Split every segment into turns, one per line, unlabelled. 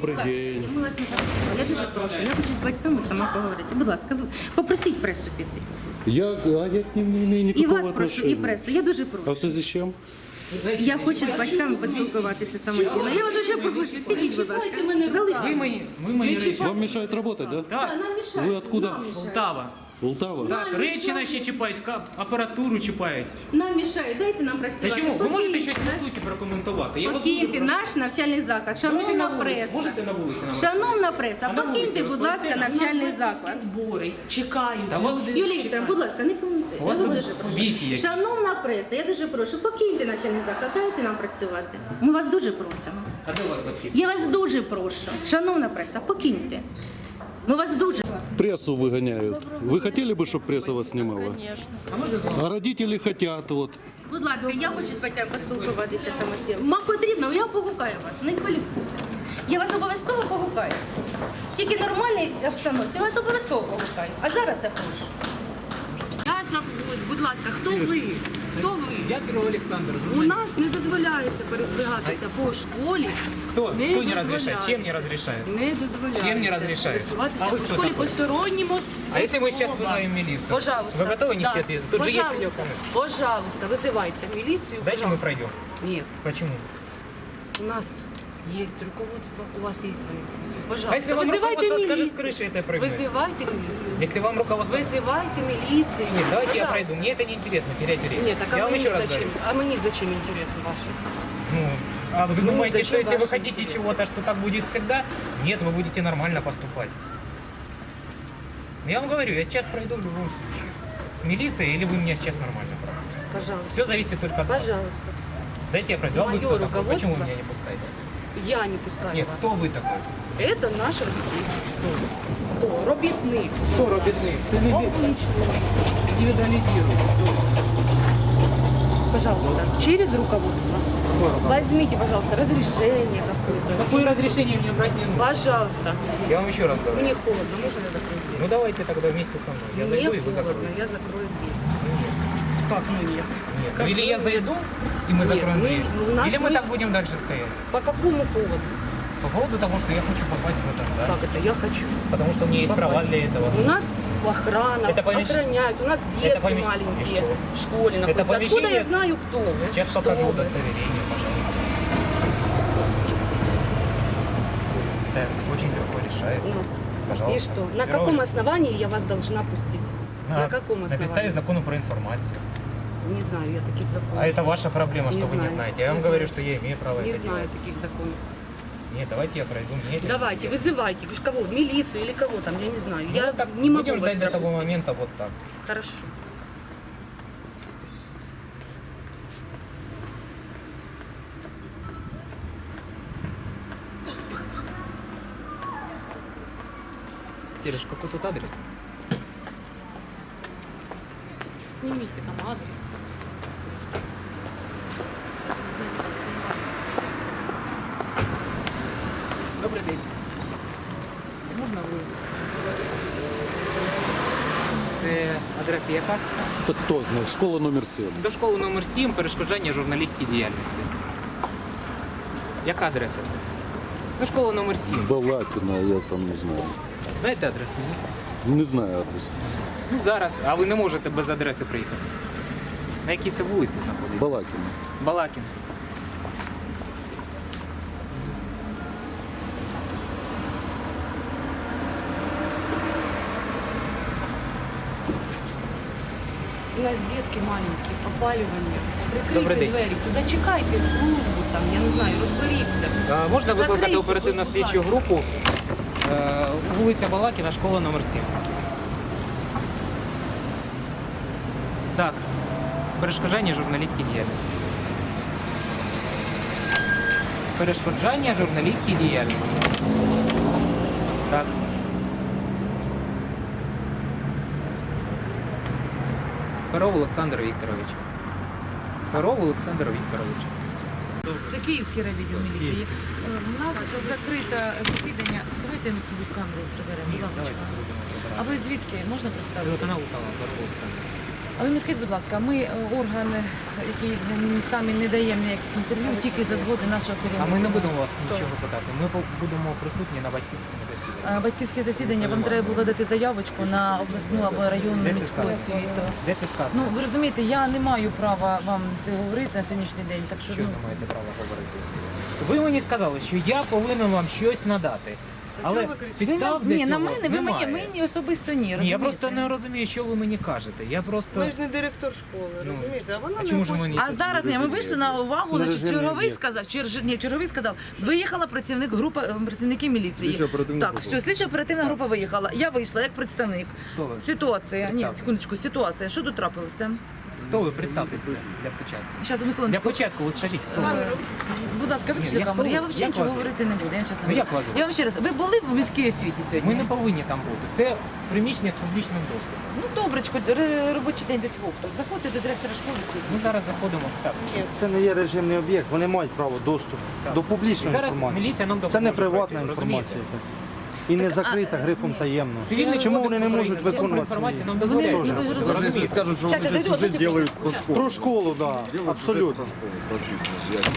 Добрий день.
Ми вас не запрошували. Я дуже прошу. Я хочу з батьками сама поговорити. Будь ласка, попросіть пресу піти.
Я к ним не имею
І
никакого
вас прошу, і
отношения.
пресу. Я дуже
А
прошу.
це зачем?
Я хочу з батьками поспілкуватися самостійно. Я вас дуже прошу, підіть, будь ласка. Залиште.
Вы мои речи.
Вам мешает работать, да?
Да,
Нам мішають.
Ви откуда?
Нам мішають.
Полтава.
Полтава?
Так, речі наші чіпають, апаратуру чіпають.
Нам мішають. Дайте нам
Та
працювати.
чому? Ви можете
Покиньте
щось по суті прокоментувати? Я вас
Покиньте
дуже прошу.
наш навчальний заклад.
Давайте
Шановна
на вулиці.
преса.
Можете на вулиці нам
Шановна преса,
А на вулиці
покиньте, будь ласка,
розповісти?
навчальний заклад.
Збори чекають.
Та у вас-
люди
Юлія
чекають.
Вікторівна, будь ласка, не коментуйте.
У вас
Я
тут
вас дуже прошу.
віки якісь.
Шановна преса, я дуже прошу, покиньте навчальний заклад, дайте нам працювати. Ми вас дуже просимо.
А де у вас батьків?
Я вас дуже прошу. Шановна преса, покиньте. Ми вас дуже.
Прессу выгоняют. Вы хотели бы, чтобы пресса вас снимала?
А можна з вами?
А родители хотят, вот.
Будь ласка, я хочу з батьками поспілкуватися самостійно. Вам потрібно, я погукаю вас, не хвилюйтеся. Я вас обов'язково погукаю. Тільки в нормальній обстановці, я вас обов'язково погукаю. А зараз я прошу.
Я забудь, будь ласка, хто ви? Хто ви?
Я Кирилл Олександр.
У нас не дозволяється передвигатися по школі.
Кто не разрешает?
дозволяється.
Чем не разрешает?
Не дозволяється.
Чим не розрішає?
Пересуватися
А ви
по
хто
школі
такой?
постороннім
А если мы сейчас вызовем милицию?
Пожалуйста.
Вы готовы нести
Да.
ответственность? Тут же есть
Пожалуйста.
видеокамера.
Пожалуйста, вызывайте милицию.
Дайте мы
пожалуйста.
пройдем.
Нет,
Почему?
у нас есть руководство, у вас есть свои руководства. Пожалуйста,
А если вам
вызывайте
руководство скажет с
милицию.
крыши это прыгнуть?
Вызывайте милицию.
Если вам руководство...
Вызывайте милицию.
Нет, давайте я
Пожалуйста.
пройду. Мне это не интересно, терять время.
Нет, так
я вам еще раз
зачем?
говорю.
А мне зачем интересно ваше?
Ну, а вы думаете,
зачем
что если вы
ваши
хотите
интересы?
чего-то, что так будет всегда? Нет, вы будете нормально поступать. Я вам говорю, я сейчас пройду в любом случае. С милицией или вы меня сейчас нормально пропустите.
Пожалуйста.
Все зависит только от вас.
Пожалуйста.
Дайте я пройду. А вы
Моё
кто такой? Почему
руководство-
вы меня не пускаете?
Я не пускаю
Нет,
вас.
кто вы такой?
Это наш робітник. Хто? Робітник.
Кто робітник? Це не индивидуализирует.
Пожалуйста, через руководство. Возьмите, пожалуйста, разрешение какое-то.
Какое разрешение мне брать не нужно?
Пожалуйста.
Я вам еще раз говорю.
Мне холодно, можно я закрою дверь?
Ну давайте тогда вместе со мной. Я
Мне
зайду и вы
холодно,
закроете.
я закрою дверь.
Ну, нет.
Как ну нет?
Нет. Ну, или я зайду, и мы
Нет,
закроем
мы-
дверь.
у нас
Или мы
мы-
так будем дальше стоять.
По какому поводу?
По поводу того, что я хочу попасть в этот дар.
Как это? Я хочу.
Потому что у меня есть
Попасть.
права для этого.
У нас охрана,
Это помещ-
охраняют, у нас
Это
детки
помещ-
маленькие
И что?
в школе находятся. Откуда
помещение-
я знаю, кто вы?
Сейчас
Что
покажу
вы?
удостоверение, пожалуйста. Это очень легко решается.
Ну,
Пожалуйста.
и что? На
Первое
каком
лицо.
основании я вас должна пустить? На каком
На
основании?
підставі закону про информацию.
Не знаю я таких законов.
А это ваша проблема, что
Не
вы не
знаю,
знаете. Я
не
вам
знаю.
говорю, что я имею право
Не
это
знаю
делать.
таких законов.
Нет, давайте я пройду. Мне это
Давайте,
интересно.
вызывайте. Уж кого? Милицию или кого там, я не знаю.
Ну,
Я
так
не могу
будем
вас
ждать до того
пропустить.
момента вот так.
Хорошо.
Сереж, какой тут адрес?
Снимите там адрес.
Добрий день. Можна ви? Це адреса яка?
Кто знает? Школа номер 7.
До школи номер 7 перешкоджання журналістській діяльності. Яка адреса це? Ну, школа номер 7.
Балакина, я там не знаю.
Знаєте адресу? Ні?
Не знаю адрес.
Ну, зараз. А ви не можете без адреси приїхати. На якій це вулиці знаходиться?
Балакина.
Балакін.
У нас детки маленькі, опалювання.
Добрий
Прикрийте
день.
двері. Зачекайте службу там, я не знаю, розберіться.
Можна викликати
Закрийте,
оперативну
будь
слідчу
ласка.
групу. Вулиця Балакіна, школа номер 7. Так. Перешкоджання журналістській діяльності. Перешкоджання журналістській діяльності. Так. Перов Олександр Вікторович. Перов Олександр Вікторович.
Це Київський райвідділ міліції. У нас закрите засідання. Давайте, мабуть, камеру приберемо, будь ласка. А ви звідки? Можна представити?
Телеканал Перов Олександр.
А ви мені скажіть, будь ласка, ми орган, який самі не даємо ніяких інтерв'ю, тільки за згоди нашого
А
керівництва.
ми не будемо вас нічого питати. Ми будемо присутні на батьківському засіданні.
Батьківське засідання, вам треба було дати заявочку на обласну або районну
Де це
міську
сказано?
освіту.
Де це сказано?
Ну, ви розумієте, я не маю права вам це говорити на сьогоднішній день, так що,
Що
ну,
не маєте права говорити? Ви мені сказали, що я повинен вам щось надати. Але підстав для
ні, на
цього
мене, ви
немає.
мені особисто ні,
Ні, я
розумієте?
просто не розумію, що ви мені кажете. Я просто...
Ми ж не директор школи,
Ну,
розумієте? А вона
а
не
чому ж
хоче.
мені
А зараз ні, ми вийшли на увагу,
На
значить,
режимний
черговий
об'єкт.
сказав, черговий сказав, виїхала працівники міліції.
Слідчо-оперативна
Так,
група.
все, слідчо-оперативна група виїхала. Я вийшла як представник.
Хто ви?
Ситуація, ні,
Представтесь.
секундочку, ситуація. Що тут трапилося?
Хто ви? Представтесь для початку.
Зараз, одну
Для
хвилиночку.
початку ви скажіть, хто ви?
Будь ласка,
Ні,
виключіть
як
камеру.
ви?
Я взагалі
Як
нічого
вас?
говорити не буду, я вам чесно
Ну,
говорю.
як вас?
Я вам ще раз, ви були в міській освіті сьогодні?
Ми не повинні там бути. Це приміщення з публічним доступом.
Ну, добречко, робочий день десь вовток. Заходьте до директора школи.
Ми зараз заходимо. Так.
Це не є режимний об'єкт, вони мають право доступу до публічної
Зараз
інформації.
міліція нам
Це
допоможе
не приватна
пройти,
інформація якась. І не закрита грифом таємно.
Цивільний
Чому
кодекс
вони не можуть
України,
виконувати
інформацію
свої?
нам дозволяє.
Ну, ви ж розумієте.
Даже если скажут, что
Сейчас,
вот
я
здесь
дойду,
сюжет
вот
делают про школу.
Про школу, так, да,
Делают
абсолютно.
сюжет про школу, просветную.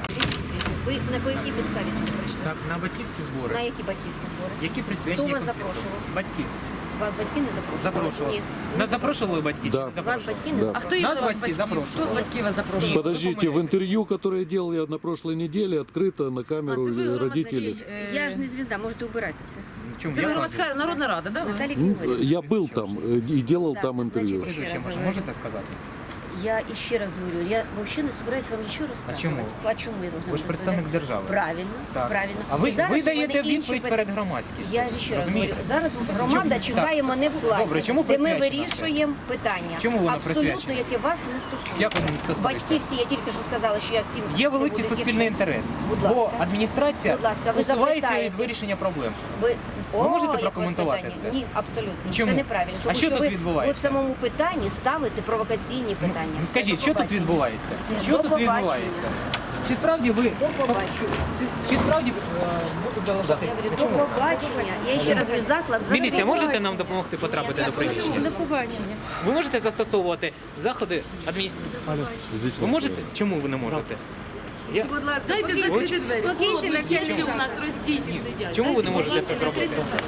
Ви на якій підставі сюди прийшли?
Так, на батьківські
На
збори,
які батьківські збори?
які присвячені
Хто вас
конфлікту.
запрошував?
Батьки.
Вас батьки не запрошували?
Запрошували.
Ні.
Нас запрошували батьки?
Да.
Чи не
Вас
запрошували?
батьки не
Да.
А хто їх
Нас
до вас
батьки запрошували.
Хто з батьків вас запрошував?
Подождите, в интервью, которое я делал я на прошлой неделе, открыто на камеру родителей.
Я ж не звізда, можете убирати це.
Чому?
Це ви
Я
громадська народна рада, да? ви?
Наталі
Ну,
Григорівна.
я был там и делал
Так,
там интервью.
значит,
Прізвище може, можете сказати?
Я ще раз говорю, я взагалі не собираюсь вам нічого розказувати.
чому?
А чому я должна
Ви ж представник
розповідати?
держави.
Правильно,
Так.
правильно.
А ви,
І зараз
ви
у мене
даєте
інші
відповідь
питання.
перед громадськістю.
Я ж ще раз
Розумієте?
говорю, зараз громада
Чому?
чекає
Так.
мене в класі,
Добре, чому
де ми
присвячено це?
вирішуємо питання.
Чому воно
Абсолютно,
присвячено?
яке вас не стосується.
Як воно не стосується?
Батьки всі, я тільки що сказала, що я всім...
Є
не
великий
буду
суспільний
всім.
інтерес,
Будь
бо
ласка.
адміністрація
Будь ласка, ви
усувається
запитаєте.
від вирішення проблем.
Ви
можете
якось
прокоментувати
питання?
це?
Ні, абсолютно.
Чому?
Це неправильно.
А
Тому
що тут
ви,
відбувається?
ви в самому питанні ставите провокаційні питання.
Ну
Все,
скажіть,
до
що тут
побачення.
відбувається?
Все,
Що
до
тут
побачення.
відбувається? Чи справді ви
До побачення.
чи справді будуть
Я
залишатися?
говорю, до побачення. Я ще раз говорю, заклад
Міліція, можете
заборонений.
нам допомогти потрапити до приміщення?
До побачення.
Ви можете застосовувати заходи адміністрації? Ви можете? Чому ви не можете? Я...
Будь ласка,
Дайте
покиньте
закрити двері.
покиньте навчальний
Діти у нас
заклад.
роздіті сидять.
Чому ви не можете це зробити?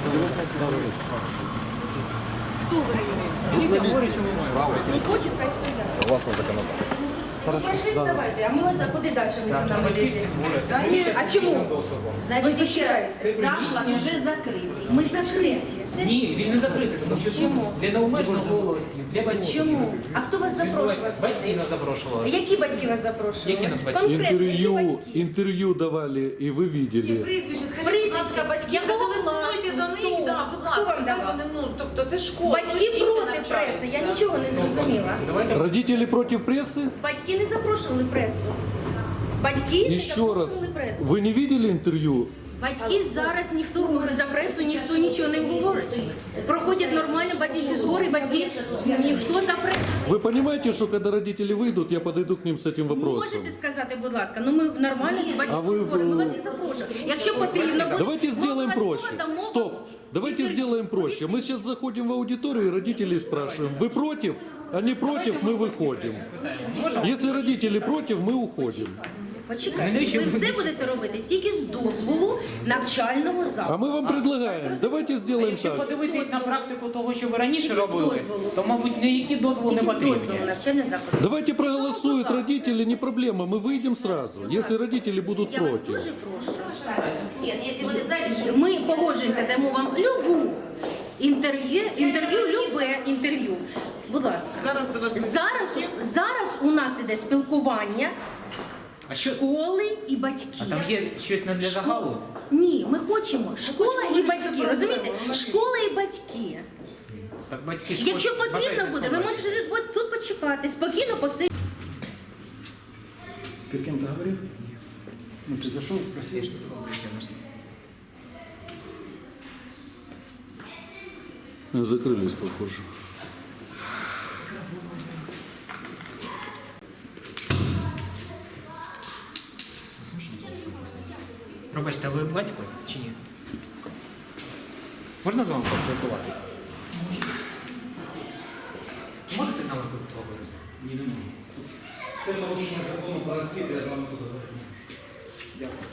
Міліція говорить, що ви маєте.
Пошли вставайте, а ми вас, а куди далі ви за нами йдете? А чому?
Значить,
Ви
ще раз,
почекайте.
заклад вже закритий.
Ми закриті. Все?
Ні, він не закритий, тому що
Чому?
для необмеженого голосу, для батьків.
Чому? А хто вас запрошував
Батьки
сюди?
нас запрошували.
Які батьки вас запрошували?
Які нас батьки?
Конкретно, які батьки?
Интервью давали, и вы видели.
Прізвище, скажіть,
Прізвище.
будь ласка, батьків,
Якого
зателефонуйте
класу?
до них,
Хто?
да, будь
Хто
ласка.
вам давав?
Вони, ну, тобто це школа.
Батьки
діти
проти
навчаються.
преси, я нічого не зрозуміла.
Родители против прессы?
Батьки не запрошували пресу. Батьки не
Еще раз,
запрошували пресу.
вы не видели интервью?
Батьки зараз ніхто за пресу ніхто нічого не говорить. Проходять нормально батьківські збори, батьки ніхто за пресу.
Вы понимаете, что когда родители выйдут, я подойду к ним с этим вопросом?
Можете сказати, будь ласка, ну ми нормально
А
батьківські
ви-
збори, ми вас не запрошуємо. Якщо потрібно буде,
Давайте
ми
сделаем
обов'язково
проще.
дамо
Стоп.
вам
Давайте
інтерв'ю.
сделаем проще. Мы сейчас заходим в аудиторию и родителей спрашиваем, вы против? Они против, мы выходим. Если родители против, мы уходим.
Почекайте, ви все будете робити тільки з дозволу навчального
А
закладу.
мы вам предлагаем, давайте сделаем
Якщо
так.
подивитись на практику того, що ви раніше робили,
дозволу.
то, мабуть, ніякі дозволи не
Тільки з
потрібні.
дозволу навчального закладу.
Давайте проголосуют родители, не проблема, мы выйдем сразу, если родители будут
Я вас
против.
дуже прошу. Ні, якщо ви не знаєте, ми погоджуємося, даємо вам любу інтерв'ю, любе інтерв'ю. Будь ласка. Зараз у нас іде спілкування
А що?
школи і батьків.
А там є щось не для загалу?
Ні, ми хочемо школа і батьки. Розумієте? Школа і батьки.
Так батьки ж
Якщо
хочуть-
потрібно
бажають
буде, ви
побачити.
можете тут почекати, спокійно посидіти.
Ты с кем-то говорил? Ну, ты зашел, спросил?
Закрылись, похоже.
Пробачте, а ви батько чи ні? Можна з вами поспілкуватися? Можете з нами тут поговорити?
Ні, не можу.
Це порушення закону про освіту, я з вами тут говорити не можу. Дякую.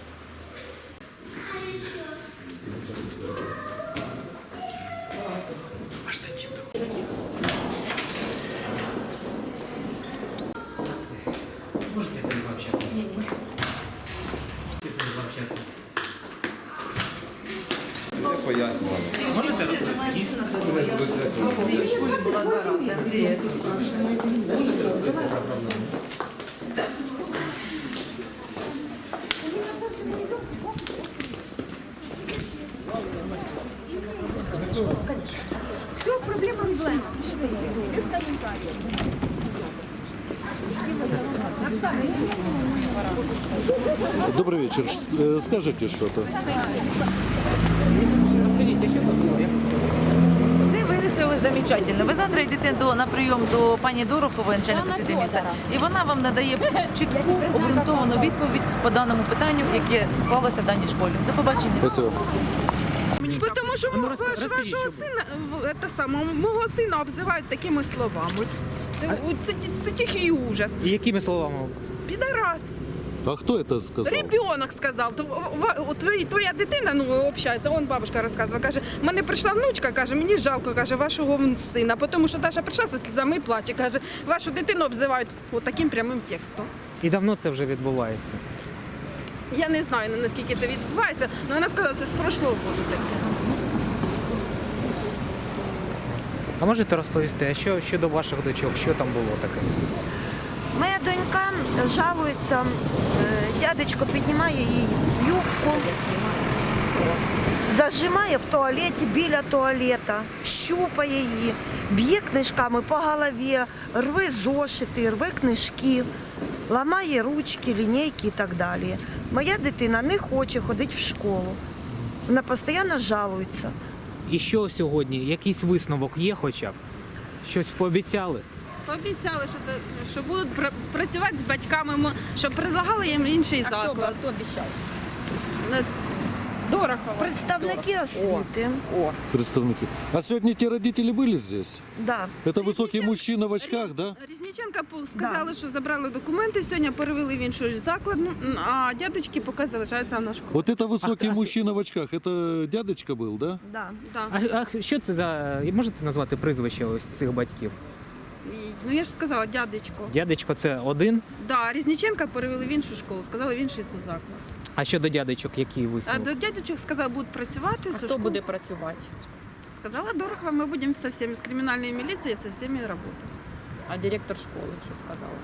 Можете с ним пообщаться? Нет. Можете с ним пообщаться? Можете розповісти?
Все, проблема проблема. Без комментариев.
Добрый вечер. Скажите что-то.
Розкажіть, а що тут було?
Все вирішили замечательно. Ви завтра йдете на прийом до пані Дорохової, начальника освіти міста, і вона вам надає чітку, обґрунтовану відповідь по даному питанню, яке склалося в даній школі. До побачення.
Спасибо.
Тому що
Ну,
вашого
розкажіть, що було.
сина, мого сина обзивають такими словами. Це тихий ужас.
І якими словами?
Підарас.
А кто это сказал?
Ребенок сказав. Твоя дитина, ну, общається, он бабушка розказувала, каже, в мене прийшла внучка, каже, мені жалко, каже, вашого сина, тому що Даша прийшла зі сльозами і плаче, каже, вашу дитину обзивають таким прямим текстом.
І давно це вже відбувається?
Я не знаю, наскільки це відбувається, але вона сказала, це з прошлого року таке.
А можете розповісти, а що щодо ваших дочок, що там було таке?
Моя донька жалується, дядечко піднімає її юбку, зажимає в туалеті, біля туалета, щупає її, б'є книжками по голові, рве зошити, рве книжки, ламає ручки, лінійки і так далі. Моя дитина не хоче ходити в школу. Вона постійно жалується.
І що сьогодні? Якийсь висновок є хоча б? Щось пообіцяли?
Пообіцяли, що будуть працювати з батьками, щоб предлагали їм інший заклад.
Хто обіцяв?
Дорохова.
Представники освіти.
Представники. А сегодня те родители были здесь?
Да.
Это высокий мужчина в очках, да?
Різниченка сказали, що забрали документи, сьогодні перевели в інший заклад, а дядечки поки залишаються в нашій школі.
Вот это высокий мужчина в очках, это дядечка был, да?
Да.
Да.
А що це за... Можете назвати прізвище ось цих батьків?
Ну я ж сказала, дядечко.
Дядечко це один,
Да, Різниченка перевели в іншу школу, сказали в інший заклад.
а щодо дядечок, який
А
висновок?
до дядечок сказали, будуть працювати.
А хто буде працювати?
Сказала Дорохова, ми будемо со всеми, з кримінальної міліції, со всеми працювати.
А директор школи що сказала?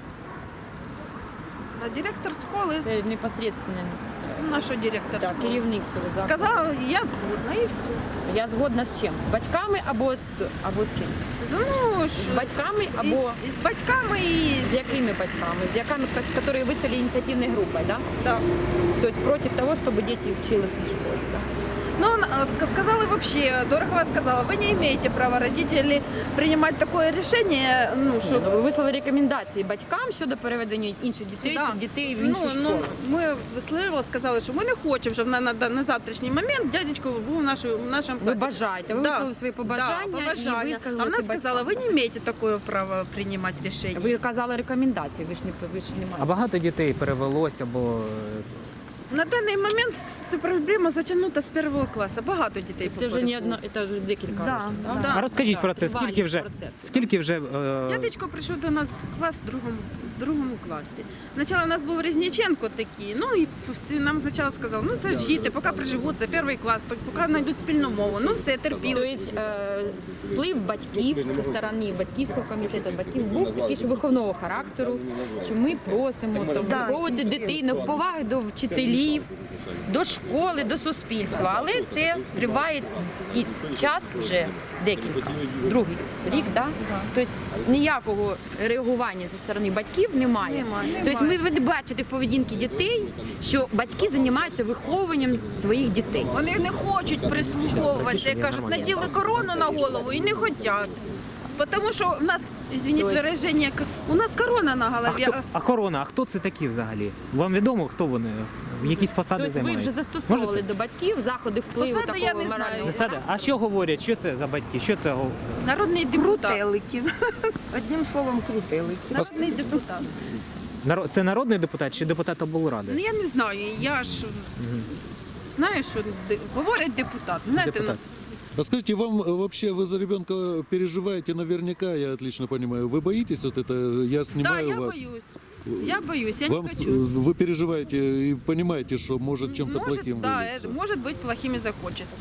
А директор школи,
Це непосредственно
наш директор школи,
керівник цього закладу.
сказала, я згодна і все.
Я згодна з чим? З батьками або з ким?
Ну,
З батьками або
і з батьками, і
з якими батьками? З якими, які вистали ініціативною групою, да?
да.
Тобто проти того, щоб діти вчилися в школі, да?
Ну, сказали вообще, Дорохова сказала, вы не имеете права, родители, принимать такое решение, ну,
Ні,
що...
ну, ви висловили рекомендації батькам щодо переведення інших дітей в іншу школу.
Ми висловили, сказали, що ми не хочемо, щоб на завтрашній момент дядечко був в нашому класі.
Ви бажаєте, ви висловили свої побажання,
да, побажання.
і
А
висказали
вона
це
сказала,
батькам.
ви не маєте такого права приймати рішення.
Ви казали рекомендації, ви ж не
А
маєте.
багато дітей перевелося, бо
На даний момент ця проблема затягнута з першого класу. Багато дітей
Це вже не
попереду.
одно, це вже декілька
Да,
років,
да.
Да.
а розкажіть
Так,
про це,
тривалість
скільки вже
Дядечко прийшов до нас в клас в другому класі. Спочатку у нас був Різниченко такий, ну і всі нам спочатку сказали, ну це ж діти, поки приживуть, це перший клас, поки знайдуть спільну мову, ну все, терпіли.
Тобто вплив батьків зі сторони батьківського комітету, батьків був такий, що виховного характеру, що ми просимо там, виховувати дитину в поваги до вчителів, до школи, до суспільства. Але це триває і час вже декілька, другий рік, да? Тобто ніякого реагування зі сторони батьків немає. Тобто ви бачите в поведінці дітей, що батьки займаються виховуванням своїх дітей.
Вони не хочуть прислуховуватися, кажуть, наділи корону на голову і не хочуть. Тому що в нас, извините вираження, у нас корона на голові.
а корона, а хто це такі взагалі? Вам відомо, хто вони? Якісь посади
Тобто ви
займаєте?
вже застосовували
Можете?
до батьків заходи впливу
Посади я
такого
не знаю.
морального.
Посади? А що говорять? Що це за батьки? Що це?
Народний депутат.
Крутелики. Одним словом, крутелики.
Народний депутат.
Це народний депутат чи депутат облради?
Ну я не знаю, я ж знаю, що говорять депутат. Знаєте,
Депутат.
А скажите, вам вообще, вы за ребенка переживаете наверняка, я отлично понимаю. Вы боитесь вот это, я
да,
снимаю
я
вас.
боюсь. Я боюсь, я
Вам,
не хочу.
вы переживаете и понимаете, что может чем-то плохим
да,
вылиться.
может быть, плохим и закончится.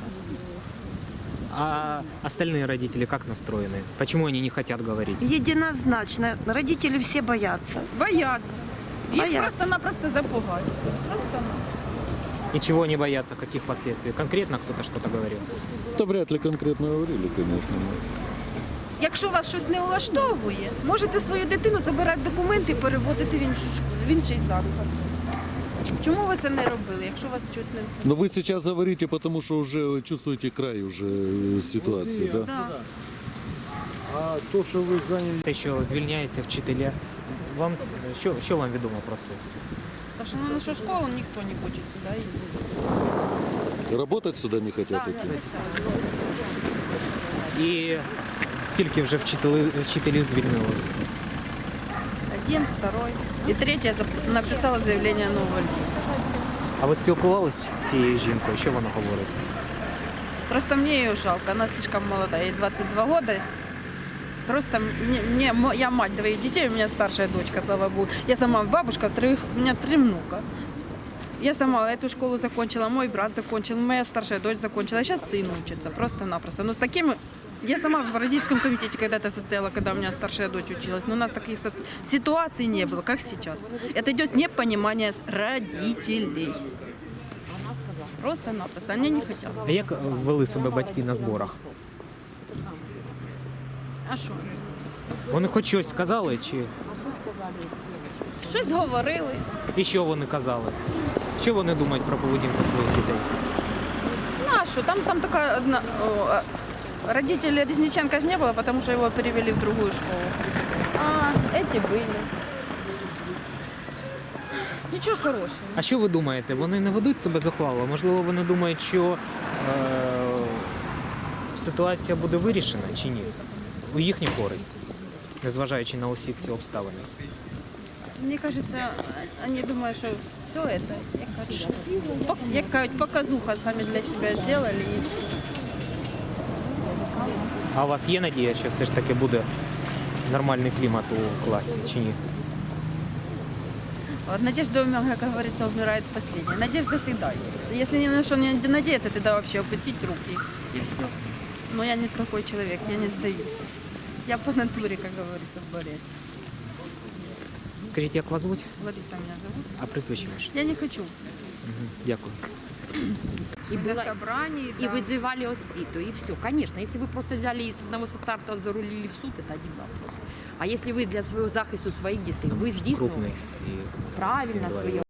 А остальные родители как настроены? Почему они не хотят говорить?
Единозначно. Родители все боятся.
Боятся. Их
Боятся.
просто-напросто запугать. Просто-напросто.
Ничего не боятся, каких последствий? Конкретно кто-то что-то говорил?
Это вряд ли конкретно говорили, конечно.
Якщо вас щось не влаштовує, можете свою дитину забирати документи і переводити в іншу школу, в інший заклад. Чому ви це не робили, якщо вас щось не влаштовує?
Но вы сейчас говорите, потому что уже чувствуете край уже ситуации, да?
Да.
А то, що ви зайняті,
Те, що звільняються вчителя, вам що вам відомо про це?
Тому що на нашу школу ніхто не хоче сюди їздити.
Работать сюда не хотят идти?
І скільки вже вчителів звільнилося?
Один, второй. І третя написала заявлення на увольнення.
А ви спілкувалися з цією жінкою? Що вона говорить?
Просто мне ее жалко, она слишком молодая, ей 22 года. Просто я мать двоих детей, у меня старшая дочка, слава богу. Я сама бабушка, у меня 3 внука. Я сама эту школу закончила, мой брат закончил, моя старшая дочь закончила, сейчас сын учится, просто-напросто. Но с такими... Я сама в родительском комитете когда-то состояла, когда у меня старшая дочь училась, но у нас таких ситуаций не было, как сейчас. Это идет непонимание родителей. Просто-напросто, они не хотят.
А як вели себе батьки на зборах?
А що?
Вони хоч щось сказали, чи
Щось говорили.
і що вони казали? Що вони думають про поведінку своїх дітей?
Ну а что, там такая одна... Родителей Резниченко же не было, потому что его перевели в другую школу. А эти были. Ничего хорошего.
А що ви думаєте? Вони не ведуть себе зухвало? Можливо, вони думають, що ситуація буде вирішена чи ні? У їхню користь, незважаючи на усі ці обставини.
Мне кажется, они думают, что все это, як кажуть, показуха сами для себя сделали. И всё.
А у вас є надія, що все ж таки буде нормальний клімат у класі чи ні?
Вот надежда, как говорится, умирает последняя. Надежда всегда есть. Если ни на что не надеяться, тогда вообще опустить руки и все. Но я не такой человек, я не сдаюсь. Я по натуре, как говорится, борец.
Скажіть, як вас звуть?
Лариса меня зовут.
А прізвище ваше?
Я не хочу.
Дякую.
И было
собраний,
и вызывали освиту, и все. Конечно, если вы просто взяли и с одного со старта зарулили в суд, это один вопрос. А если вы для своего захисту своих детей, вы здесь
Крупний.
правильно своє